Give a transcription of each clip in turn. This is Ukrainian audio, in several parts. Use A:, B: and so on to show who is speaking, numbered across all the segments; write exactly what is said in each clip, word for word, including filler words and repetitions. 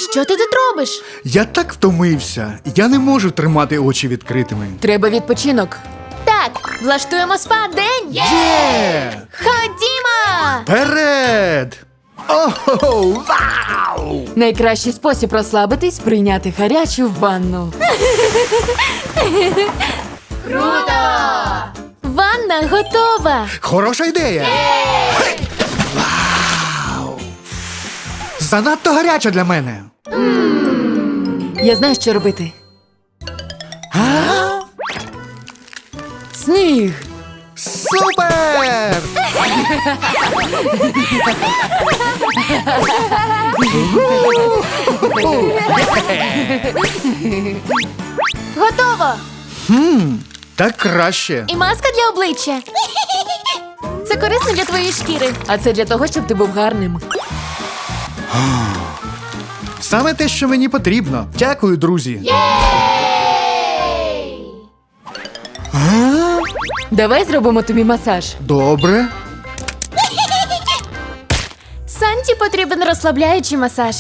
A: Що ти тут робиш?
B: Я так втомився. Я не можу тримати очі відкритими.
C: Треба відпочинок.
A: Так, влаштуємо спа-день!
B: Є!
A: Ходімо!
B: Вперед! Ого! Вау!
C: Найкращий спосіб розслабитись – прийняти гарячу ванну.
A: Ванна готова!
B: Хороша ідея! Гей! Вау! Занадто гаряча для мене.
C: Я знаю, що робити.
B: А?
C: Сніг!
B: Супер!
A: Готово!
B: Хм, так краще.
A: І маска для обличчя. Це корисно для твоєї шкіри.
C: А це для того, щоб ти був гарним.
B: Саме те, що мені потрібно. Дякую, друзі. А?
C: Давай зробимо тобі масаж.
B: Добре.
A: Санті потрібен розслабляючий масаж.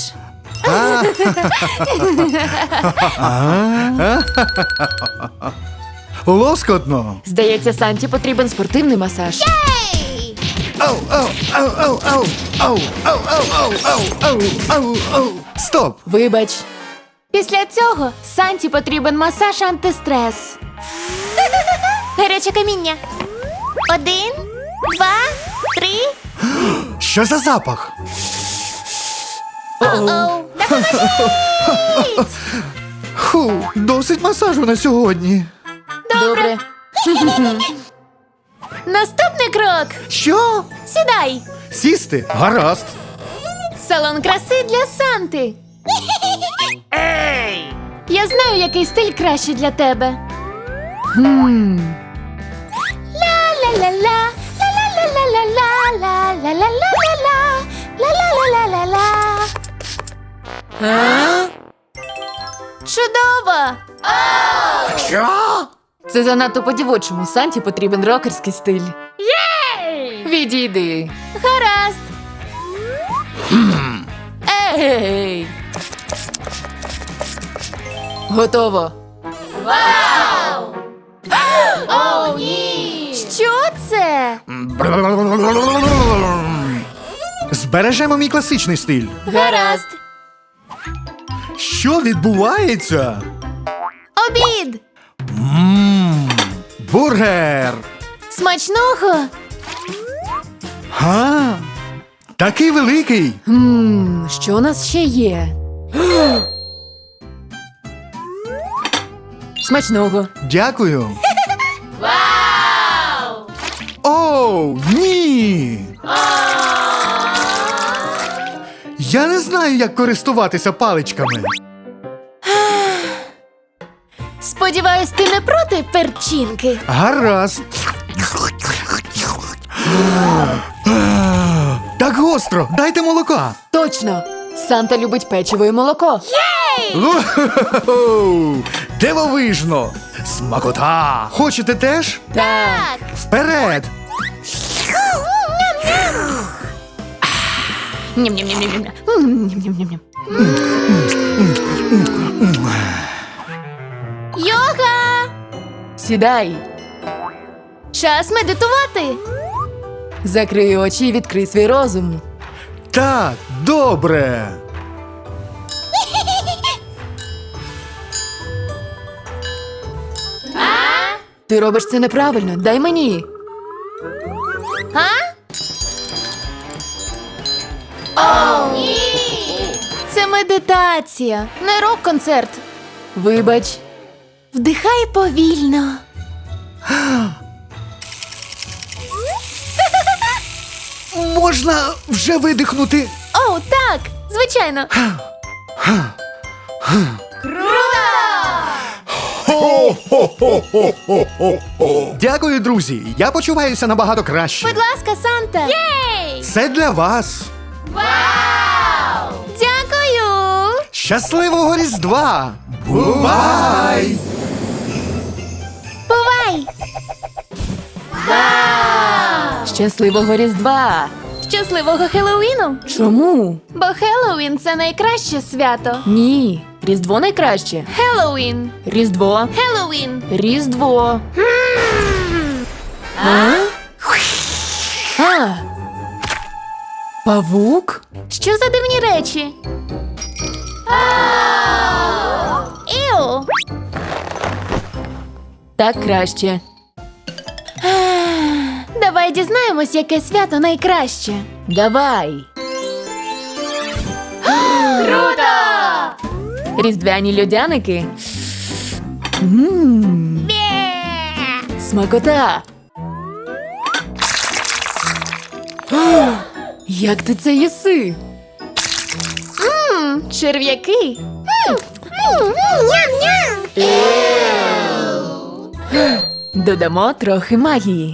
B: Лоскотно.
C: Здається, Санті потрібен спортивний масаж.
B: Ау, ау, ау, ау, ау, ау, ау, ау, ау, ау, ау, ау, ау. Стоп.
C: Вибач.
A: Після цього Санті потрібен масаж антистрес. Гаряче каміння. Один, два, три.
B: Що за запах?
A: Оу, допоможіть!
B: Ху, досить масажу на сьогодні.
C: Добре.
A: Наступний крок.
B: Що?
A: Сідай.
B: Сісти? Гаразд.
A: Салон краси для Санти. Я знаю, який стиль кращий для тебе.
C: Хм.
A: Ла-ла-ла-ла, ла-ла-ла-ла-ла, ла-ла-ла-ла-ла, ла-ла-ла-ла-ла-ла.
C: А?
A: Чудово!
B: Що?
C: Це занадто по-дівочому. Санті потрібен рокерський стиль. Відійди.
A: Гаразд.
C: Ей! Готово.
A: О, ні! Що це?
B: Збережемо мій класичний стиль.
A: Гаразд.
B: Що відбувається?
A: Обід.
B: Ммм, бургер.
A: Смачного.
B: Га? Такий великий.
C: Хм, що у нас ще є? Смачного.
B: Дякую. Вау! Оу, ні! Я не знаю, як користуватися паличками.
A: Сподіваюсь, ти не проти перчинки.
B: Гаразд. Так гостро, дайте молока.
C: Точно! Санта любить печиво і молоко.
B: Уху-ху-ху! Дивовижно! Смакота! Хочете теж?
C: Так.
B: Вперед!
A: Ням-ням-ням-ням-ням.
C: Ням-ням-ням-ням.
A: Йога!
C: Сідай.
A: Час медитувати.
C: Закрий очі і відкрий свій розум.
B: Так, добре.
C: Ти робиш це неправильно. Дай мені.
A: А? О, ні! Це медитація, не рок-концерт.
C: Вибач.
A: Вдихай повільно.
B: Можна вже видихнути.
A: О, так, звичайно.
B: Дякую, друзі. Я почуваюся набагато краще.
A: Будь ласка, Санта. Єй!
B: Це для вас.
A: Дякую!
B: Щасливого Різдва! Бувай!
A: Бувай!
C: Щасливого Різдва!
A: Щасливого Хеллоуіну!
C: Чому?
A: Бо Хеллоуін – це найкраще свято.
C: Ні. Різдво найкраще.
A: Хеллоуін!
C: Різдво.
A: Хеллоуін!
C: Різдво. А? А. Павук?
A: Що за дивні речі? Іу!
C: Так краще.
A: Давай дізнаємось, яке свято найкраще.
C: Давай.
A: Круто!
C: Різдвяні льодяники. Мм, смакота. О, як ти це їси?
A: Мм, черв'яки.
C: Додамо трохи магії.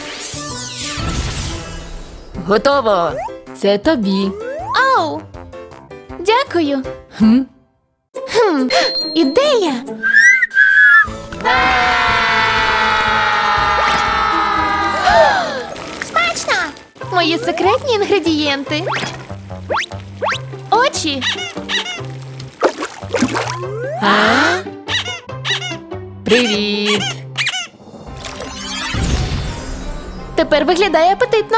C: Готово. Це тобі.
A: Оу! Дякую.
C: Хм.
A: Хм, ідея! Смачно! Мої секретні інгредієнти. Очі.
C: А? Привіт.
A: Тепер виглядає апетитно.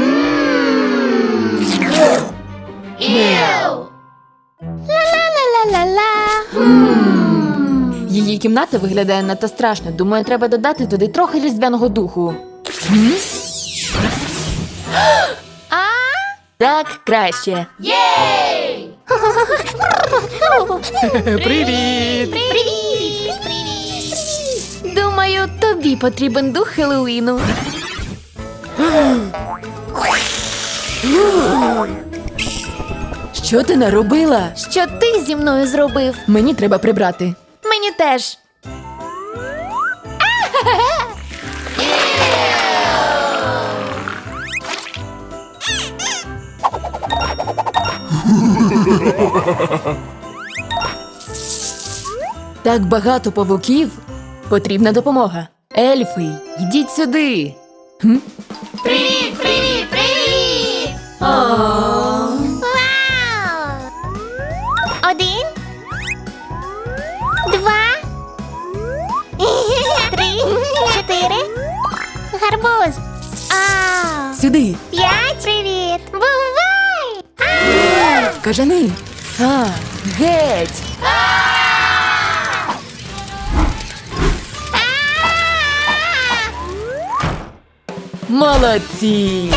A: Ла-ла-ла-ла-ла-ла.
C: Її кімната виглядає надто страшно. Думаю, треба додати туди трохи різдвяного духу. Хм?
A: А?
C: Так краще.
A: Єй!
C: Привіт.
A: Привіт! Думаю, тобі потрібен дух Хеллоуіну.
C: Що ти наробила?
A: Що ти зі мною зробив?
C: Мені треба прибрати.
A: Мені теж.
C: Так багато павуків. Потрібна допомога. Ельфи, йдіть сюди. Хм?
A: Привіт, привіт, привіт! Вау! Один, два, три, чотири. Гарбуз. А,
C: Сюди.
A: п'ять. Привіт. Бувай!
C: Кажани. А, геть. Молодці.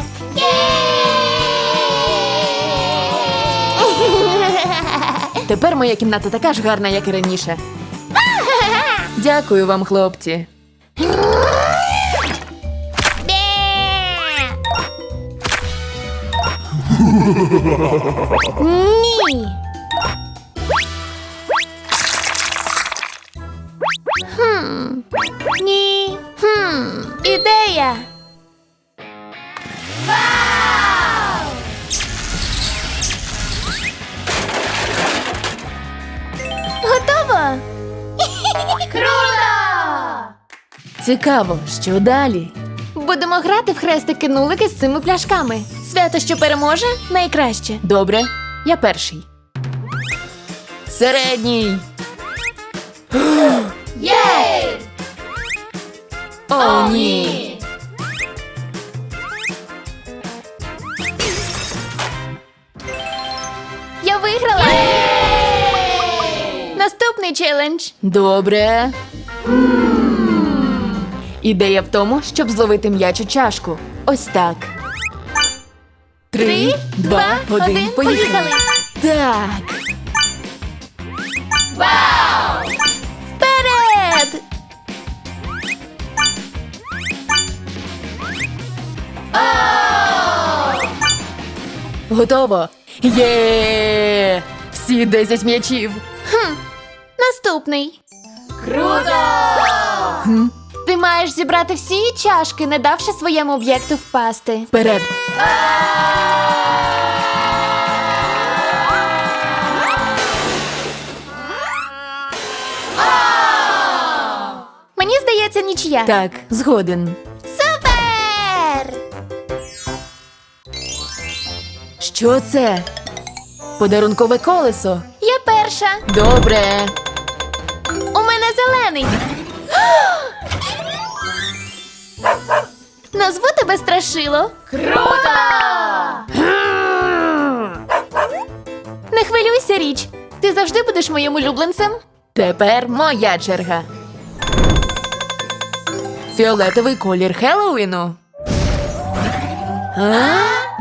C: Тепер моя кімната така ж гарна, як і раніше. Дякую вам, хлопці.
A: Ні. Хм. Ні. Хм. Ідея. Готово. Круто!
C: Цікаво, що далі?
A: Будемо грати в хрестики-нулики з цими пляшками. Свято, що переможе, найкраще.
C: Добре, я перший. Середній.
A: Єй!
C: О, ні.
A: Я виграла! Наступний челендж.
C: Добре. Ідея в тому, щоб зловити м'яч у чашку. Ось так. Три, два, один, поїхали. Так.
A: Вау! Вперед!
C: Готово. Є! Всі десять м'ячів.
A: Хм. Наступний.
C: Круто!
A: Ти маєш зібрати всі чашки, не давши своєму об'єкту впасти.
C: Вперед.
A: Мені здається, нічия.
C: Так, згоден.
A: Супер!
C: Що це? Подарункове колесо.
A: Я перша.
C: Добре.
A: У мене зелений. Назву тебе Страшило. Круто! Не хвилюйся, Річ. Ти завжди будеш моїм улюбленцем.
C: Тепер моя черга. Фіолетовий колір Хеллоуіну. А?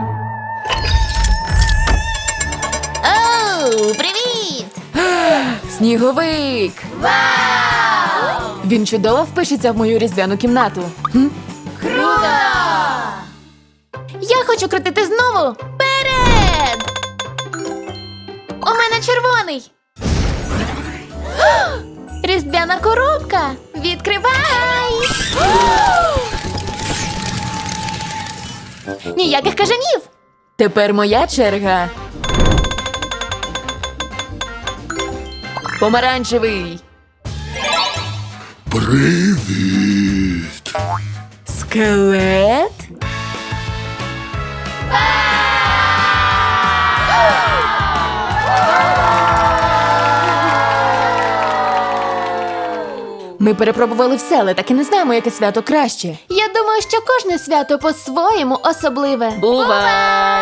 A: Оу, привіт!
C: Сніговик!
A: Вау!
C: Він чудово впишеться в мою різдвяну кімнату. Хм?
A: Круто! Я хочу крутити знову. Вперед! У мене червоний. Різдвяна коробка. Відкривай! Ніяких кажанів.
C: Тепер моя черга. Помаранчевий.
B: Привіт!
C: Скелет? Ми перепробували все, але так і не знаємо, яке свято краще.
A: Я думаю, що кожне свято по-своєму особливе.
C: Бувай!